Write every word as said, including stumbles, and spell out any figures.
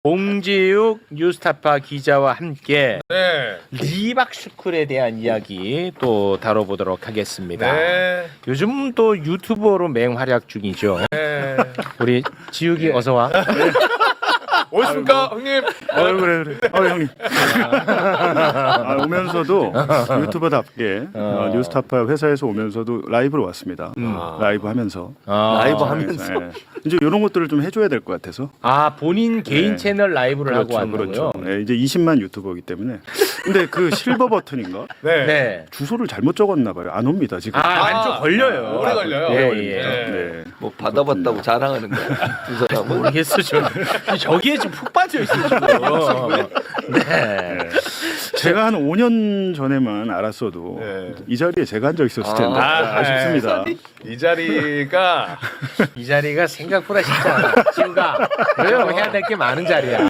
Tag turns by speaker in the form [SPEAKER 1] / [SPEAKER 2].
[SPEAKER 1] 봉지욱 뉴스타파 기자와 함께
[SPEAKER 2] 네.
[SPEAKER 1] 리박스쿨에 대한 이야기 또 다뤄보도록 하겠습니다.
[SPEAKER 2] 네.
[SPEAKER 1] 요즘 또 유튜버로 맹활약 중이죠.
[SPEAKER 2] 네.
[SPEAKER 1] 우리 지욱이
[SPEAKER 2] 네.
[SPEAKER 1] 어서 와.
[SPEAKER 2] 오셨습니까, 형님?
[SPEAKER 3] 어 그래 그래. 어 형님. 아, 오면서도 유튜버답게 어, 뉴스타파 회사에서 오면서도 라이브로 왔습니다.
[SPEAKER 1] 음.
[SPEAKER 3] 라이브 하면서.
[SPEAKER 1] 아,
[SPEAKER 4] 라이브 하면서?
[SPEAKER 3] 네. 이제 이런 것들을 좀 해줘야 될 것 같아서.
[SPEAKER 1] 아 본인 개인
[SPEAKER 3] 네.
[SPEAKER 1] 채널 라이브를 하고 왔는
[SPEAKER 3] 그렇죠.
[SPEAKER 1] 거요.
[SPEAKER 3] 네, 이제 이십만 유튜버이기 때문에. 근데 그 실버 버튼인가?
[SPEAKER 2] 네.
[SPEAKER 1] 네.
[SPEAKER 3] 주소를 잘못 적었나 봐요. 안 옵니다 지금.
[SPEAKER 1] 아, 안쪽 걸려요.
[SPEAKER 2] 오래 걸려요.
[SPEAKER 1] 예,
[SPEAKER 2] 오래
[SPEAKER 1] 예.
[SPEAKER 2] 걸립니다.
[SPEAKER 3] 네.
[SPEAKER 4] 뭐 받아봤다고 자랑하는 거야. 두 사람은.
[SPEAKER 1] 모르겠어 지금. 저기에 지금 푹 빠져 있어 지금. 네.
[SPEAKER 3] 제가 한 오 년 전에만 알았어도
[SPEAKER 2] 네.
[SPEAKER 3] 이 자리에 제가 앉아 있었을 텐데
[SPEAKER 2] 아,
[SPEAKER 3] 아, 쉽습니다
[SPEAKER 2] 이 자리가
[SPEAKER 1] 이 자리가 생각보다 쉽지 않아. 지우가 왜요? 해야 될 게 많은 자리야.